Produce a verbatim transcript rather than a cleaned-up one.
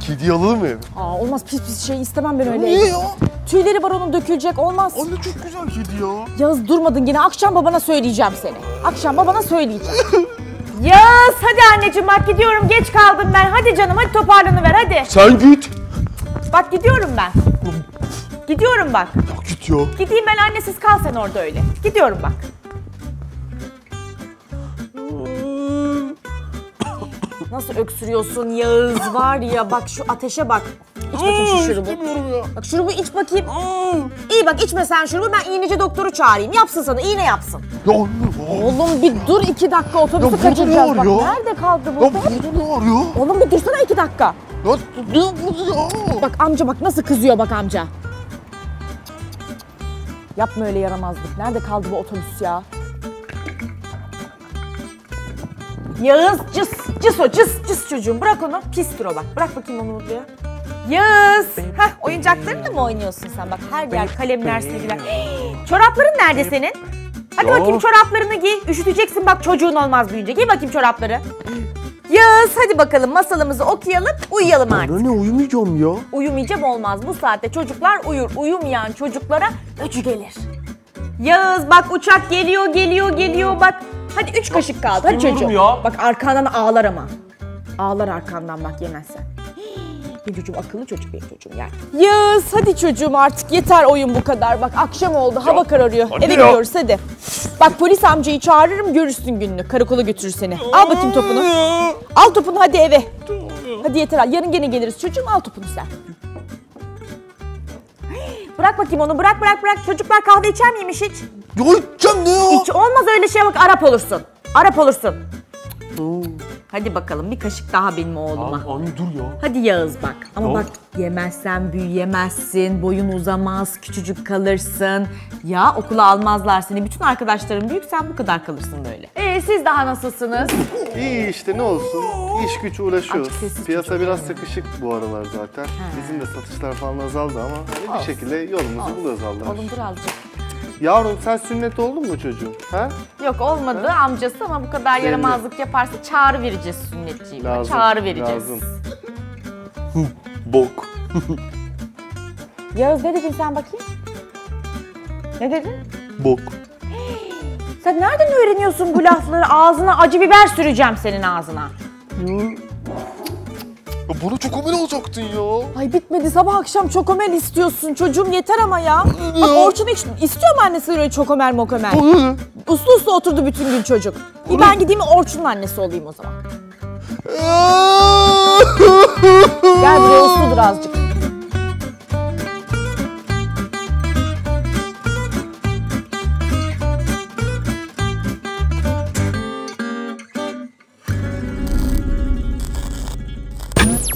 kedi alalım mı eve? Aa, olmaz, pis pis şey istemem ben öyle. Niye ya? Tüyleri var onun, dökülecek, olmaz. Anne çok güzel kedi ya. Yağız durmadın yine, akşam babana söyleyeceğim seni. Akşam babana söyleyeceğim. Yağız hadi anneciğim bak gidiyorum, geç kaldım ben. Hadi canım hadi toparlanıver hadi. Sen git. Bak gidiyorum ben. Gidiyorum bak. Ya git ya. Gideyim ben, annesiz kal sen orada öyle. Gidiyorum bak. Nasıl öksürüyorsun Yağız var ya, bak şu ateşe bak. İç bakayım şu şurubu. İstemiyorum ya. Bak şurubu iç bakayım. İyi bak, içme sen şurubu, ben iğneci doktoru çağırayım. Yapsın sana, iğne yapsın. Ya anne. Oğlum bir dur iki dakika, otobüsü Ya burada kaçıracağız. ne Bak var ya? nerede kaldı bu? Ya burada ne var ya? Oğlum bir dursana iki dakika. Ya ne bu ya? Bak amca bak nasıl kızıyor bak amca. Yapma öyle yaramazlık. Nerede kaldı bu otobüs ya? Yağız cıs cıs o cıs cıs çocuğum, bırak onu, pistir o bak. Bırak bakayım onu buraya. Yağız. Hah, oyuncaklarınla mı oynuyorsun sen? Bak her yer kalemler, silgiler. Çorapların nerede senin? Hadi Ya. bakayım çoraplarını giy. Üşüteceksin bak, çocuğun olmaz büyüyünce. Giy bakayım çorapları. Yağız hadi bakalım masalımızı okuyalım, uyuyalım artık. Anne uyumayacağım ya. Uyumayacağım olmaz. Bu saatte çocuklar uyur. Uyumayan çocuklara öcü gelir. Yağız bak uçak geliyor, geliyor, geliyor bak. Hadi üç kaşık kaldı. Hadi istemiyorum çocuğum. ya. Bak arkandan ağlar ama. Ağlar arkandan bak yemezsen. Benim çocuğum akıllı çocuk, benim çocuğum yani. Yağız hadi çocuğum artık yeter oyun bu kadar. Bak akşam oldu, hava kararıyor. hadi Eve ya. gidiyoruz hadi. Bak polis amcayı çağırırım, görürsün gününü. Karakola götürür seni. Al bakayım topunu. Al topunu hadi eve. Hadi yeter al. Yarın gene geliriz çocuğum, al topunu sen. Bırak bakayım onu, bırak bırak bırak. Çocuklar kahve içer miymiş hiç? Ya içeceğim ne ya? Hiç olmaz öyle şey, bak Arap olursun. Arap olursun. Hadi bakalım bir kaşık daha benim oğluma. Anne, anne dur ya. Hadi Yağız bak. Ama Ya. bak yemezsen büyüyemezsin, boyun uzamaz, küçücük kalırsın. Ya okula almazlar seni. Bütün arkadaşların büyük, sen bu kadar kalırsın böyle. Ee siz daha nasılsınız? İyi işte ne olsun. İş güç uğraşıyoruz. Açık sessiz Piyasa çocuk biraz yani. sıkışık bu aralar zaten. Bizim de satışlar falan azaldı ama hani bir şekilde yolumuzu buluyoruz Allah'a Oğlum şükür. dur azıcık. Yavrum sen sünnet oldun mu çocuğum? Ha? Yok olmadı amcası, ama bu kadar Belli. yaramazlık yaparsa çağrı vereceğiz sünnetçiğime. Lazım, Çağrı vereceğiz. lazım. Bok. Yağız ne dedin sen bakayım? Ne dedin? Bok. Sen nereden öğreniyorsun bu lafları? Ağzına acı biber süreceğim senin ağzına. Ya bana çok amel olacaktın ya. Ay bitmedi, sabah akşam çokomel istiyorsun çocuğum, yeter ama ya. Bak Ya. Orçun hiç istiyor mu annesi öyle çokomel mokomel? Uslu uslu oturdu bütün gün çocuk. Bir ben gideyim Orçun'un annesi olayım o zaman. Aa!